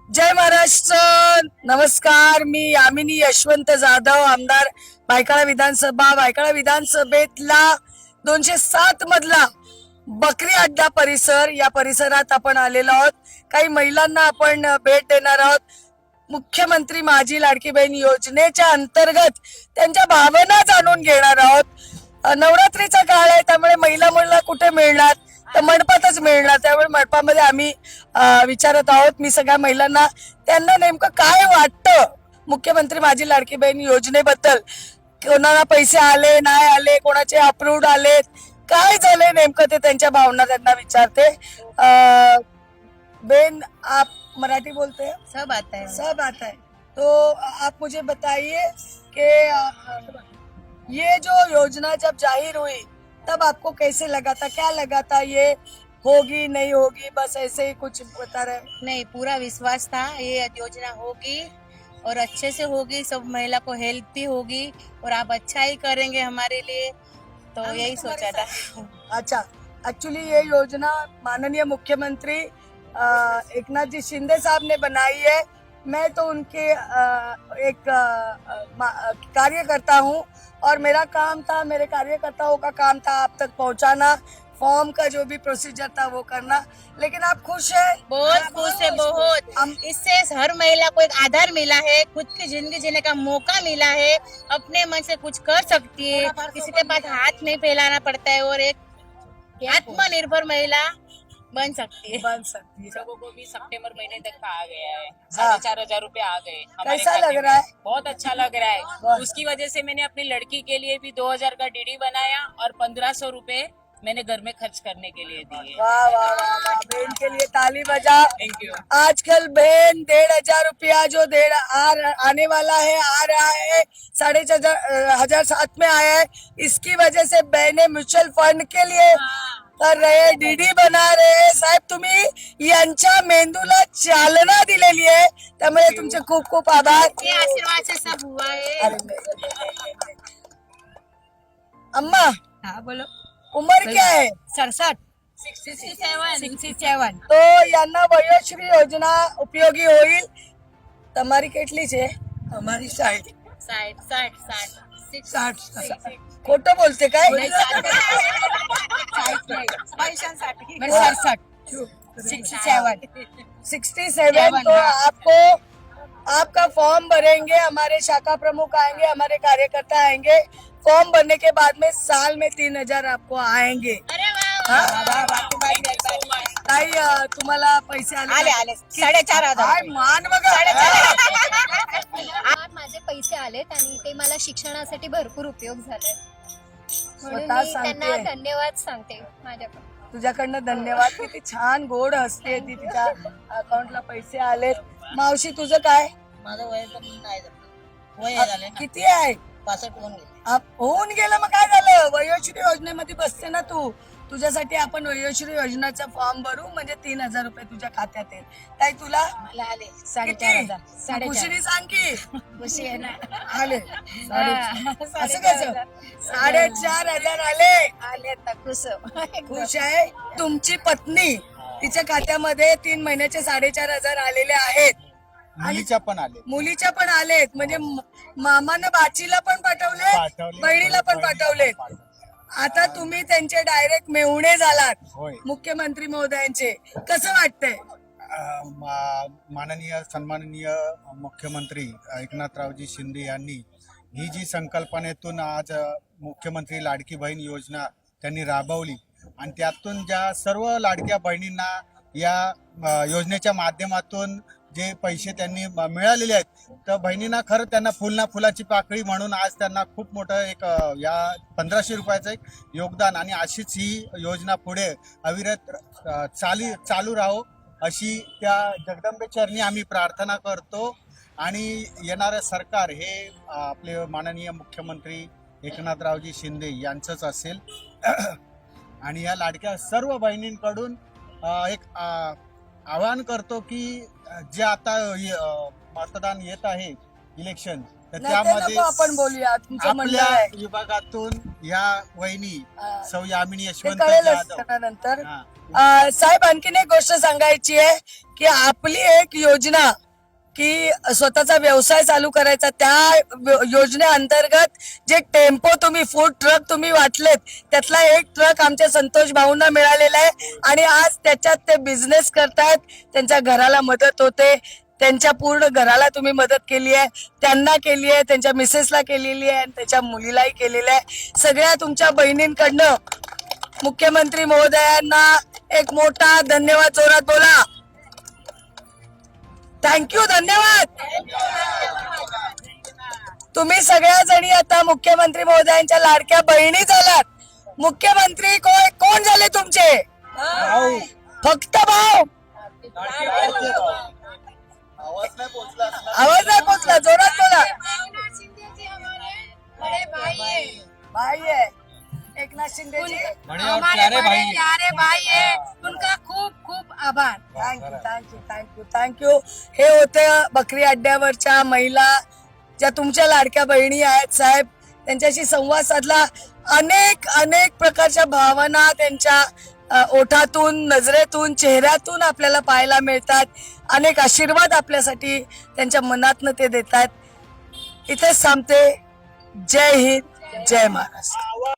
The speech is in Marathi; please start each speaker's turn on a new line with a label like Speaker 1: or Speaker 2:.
Speaker 1: जय महाराष्ट्र. नमस्कार. मी यामिनी यशवंत जाधव, आमदार भायखळा विधानसभेतला 207 मधला बकरी अड्डा परिसर. या परिसरात आपण आलेलो आहोत. काही महिलांना आपण भेट देणार आहोत. मुख्यमंत्री माझी लाडकी बहीण योजनेच्या अंतर्गत त्यांच्या भावना जाणून घेणार आहोत. नवरात्रीचा काळ आहे, त्यामुळे महिला कुठे मिळणार, तर मंडपातच मिळणार. त्यामुळे मंडपामध्ये आम्ही विचारत आहोत. मी सगळ्या महिलांना त्यांना नेमकं काय वाटतं मुख्यमंत्री माझी लाडकी बहीण योजनेबद्दल, कोणाला पैसे आले नाही आले, कोणाचे अप्रूव्ड आलेत, काय झालंय नेमकं ते त्यांच्या भावना त्यांना विचारते. बेन, आप मराठी बोलते हैं?
Speaker 2: सब आता है।
Speaker 1: सब आता है. तो आप मुझे बताइए कि ये जो योजना जब जाहिर हुई तब आपको कैसे लगा था, क्या लगा था, ये होगी नहीं होगी, बस ऐसे ही कुछ बता रहे?
Speaker 2: नहीं, पूरा विश्वास था ये योजना होगी और अच्छे से होगी, सब महिला को हेल्प भी होगी और आप अच्छा ही करेंगे हमारे लिए, तो यही सोचा था।
Speaker 1: अच्छा, एक्चुअली ये योजना माननीय मुख्यमंत्री एकनाथ जी शिंदे साहब ने बनाई है. मैं तो उनके एक कार्यकर्ता हूँ और मेरा काम था, मेरे कार्यकर्ताओं का काम था आप तक पहुँचाना, फॉर्म का जो भी प्रोसीजर था वो करना. लेकिन आप खुश है?
Speaker 2: बहुत खुश है, बहुत। इससे हर महिला को एक आधार मिला है, खुद की जिंदगी जीने का मौका मिला है, अपने मन से कुछ कर सकती है, किसी के पास हाथ नहीं फैलाना पड़ता है और एक आत्मनिर्भर महिला बन सकती है।
Speaker 3: लोगों को भी सितंबर महीने तक का आ गया है,
Speaker 1: हाँ।
Speaker 3: 4,500 रुपए आ गए हमारे
Speaker 1: कैसा
Speaker 3: खाते
Speaker 1: लग
Speaker 3: में।
Speaker 1: रहा है?
Speaker 3: बहुत अच्छा लग रहा है।
Speaker 1: वाह।
Speaker 3: उसकी वजह से मैंने अपनी लड़की के लिए भी 2,000 का डीडी बनाया और 1,500 रुपए मैंने घर में खर्च करने के लिए दिए।
Speaker 1: वाह वाह वाह वाह. बहन के लिए ताली बजा.
Speaker 3: Thank you.
Speaker 1: आजकल बहन 1,500 रुपया जो आने वाला है, आ रहा है, 4,500 साथ में आया है. इसकी वजह से बहने म्युच्युअल फंड के लिए कर रहे, डीडी बना रहे. साहेब, तुम्ही यांच्या मेंदूला चालना दिलेली आहे, त्यामुळे तुमचे खूप खूप आभार.
Speaker 2: ये आशीर्वाद से सब हुआ है।
Speaker 1: अरे नाही. अम्मा,
Speaker 2: हाँ बोलो।
Speaker 1: उम्र क्या है?
Speaker 2: 67 67
Speaker 1: तो यांना वयोश्री योजना उपयोगी होईल. તમારી કેટલી છે? અમારી 60.
Speaker 2: 60
Speaker 1: खोटं बोलते काय? 67. तो आपको आपका फॉर्म भरेंगे, हमारे शाखा प्रमुख आएंगे, हमारे कार्यकर्ता आएंगे. फॉर्म भरने के बाद में साल में 3,000 आपको आएंगे.
Speaker 2: अरे
Speaker 1: ताई, तुम्हाला पैसे
Speaker 2: आले 4,500
Speaker 1: काय मान बघा.
Speaker 4: आज माझे पैसे आलेत आणि ते मला शिक्षणासाठी भरपूर उपयोग झाले, म्हणून
Speaker 1: स्वतः
Speaker 4: मी त्यांना
Speaker 1: सांगते.
Speaker 4: धन्यवाद सांगते माझ्याकडून.
Speaker 1: तुझ्याकडनं धन्यवाद. किती छान गोड हसते ती. तिच्या अकाउंटला पैसे आलेत. मावशी, तुझं काय?
Speaker 2: माझं वय नाही
Speaker 1: किती आहे?
Speaker 2: 65 होऊन गेले.
Speaker 1: होऊन गेलं, मग काय झालं? वयोश्री योजनेमध्ये बसते ना तू. तुझ्यासाठी आपण वयोश्री योजनेचा फॉर्म भरू, म्हणजे 3,000 रुपये तुझ्या खात्यात येईल. ताई, तुला
Speaker 2: मला आले
Speaker 1: किती?
Speaker 2: 4,500.
Speaker 1: खुशीने सांग की
Speaker 2: खुशी आहे ना.
Speaker 1: आले. असं कसं? 4,500 आले.
Speaker 2: तर खुश.
Speaker 1: खुश आहे. तुमची पत्नी, तिच्या खात्यामध्ये 3 महिन्याचे 4,500 आलेले आहेत.
Speaker 5: मुलीच्या पण आले.
Speaker 1: मुलीच्या पण आलेत, म्हणजे मामानं बाचीला पण पाठवले, बहिणीला पण पाठवले. आता तुम्ही त्यांचे डायरेक्ट मेहुणे झालात,
Speaker 5: होय.
Speaker 1: मुख्यमंत्री महोदयांचे. कसं वाटतंय?
Speaker 5: माननीय सन्माननीय मुख्यमंत्री एकनाथरावजी शिंदे यांनी ही जी संकल्पनेतून आज मुख्यमंत्री लाडकी बहीण योजना त्यांनी राबवली आणि त्यातून ज्या सर्व लाडक्या बहिणींना या योजनेच्या माध्यमातून जे पैसे त्यांनी मिळालेले आहेत, तर बहिणींना खरं त्यांना फुलाची पाकळी म्हणून आज त्यांना खूप मोठं एक या 1,500 रुपयाचं एक योगदान, आणि अशीच ही योजना पुढे अविरत चालू राहो अशी त्या जगदंबे चरणी आम्ही प्रार्थना करतो. आणि येणारं सरकार हे आपले माननीय मुख्यमंत्री एकनाथरावजी शिंदे यांचंच असेल. आणि या लाडक्या सर्व बहिणींकडून एक आवाहन करतो की जे आता मतदान येत आहे इलेक्शन, तर
Speaker 1: नाही, ते
Speaker 5: त्यामध्ये
Speaker 1: नको आपण बोलूया, तुमचं म्हणणं
Speaker 5: आपल्या
Speaker 1: आहे
Speaker 5: विभागातून या वहिनी
Speaker 1: हा.
Speaker 5: सौ यामिनी
Speaker 1: ते
Speaker 5: यशवंत
Speaker 1: कळेलच
Speaker 5: जाधव
Speaker 1: त्यांना नंतर.
Speaker 5: हा.
Speaker 1: साहेब आणखीन एक गोष्ट सांगायची आहे की आपली एक योजना की स्वतःचा व्यवसाय चालू करायचा, त्या योजनेअंतर्गत जे टेम्पो तुम्ही फूड ट्रक तुम्ही वाटलेत त्यातला एक ट्रक आमच्या संतोष भाऊंना मिळालेला आहे आणि आज त्याच्यात ते बिझनेस करतायत, त्यांच्या घराला मदत होते, त्यांच्या पूर्ण घराला तुम्ही मदत केली आहे, त्यांना केली आहे, त्यांच्या मिसेसला केलेली आहे आणि त्याच्या मुलीलाही केलेली आहे. सगळ्या तुमच्या बहिणींकडनं मुख्यमंत्री महोदयांना एक मोठा धन्यवाद, जोरात बोला. थँक्यू, धन्यवाद. तुम्ही सगळ्या जणी आता मुख्यमंत्री महोदयांच्या लाडक्या बहिणी झालात. मुख्यमंत्री कोण झाले तुमचे? फक्त भाऊ. आवाज नाही पोचला, जोरात बोला. भाई आहे एकनाथ शिंदेजी,
Speaker 2: हमारे बड़े प्यारे भाई है, उनका खूप खूप आभार.
Speaker 1: Thank you thank you thank you thank you. हे होते बकरी अड्ड्यावरच्या महिला ज्या तुमच्या लाडक्या बहिणी आहेत. साहेब त्यांच्याशी संवाद साधला, अनेक अनेक प्रकारच्या भावना त्यांच्या ओठातून, नजरेतून, चेहऱ्यातून आपल्याला पाहायला मिळतात. अनेक आशीर्वाद आपल्यासाठी त्यांच्या मनातनं ते देतात. इथेच थांबते. जय हिंद, जय महाराष्ट्र.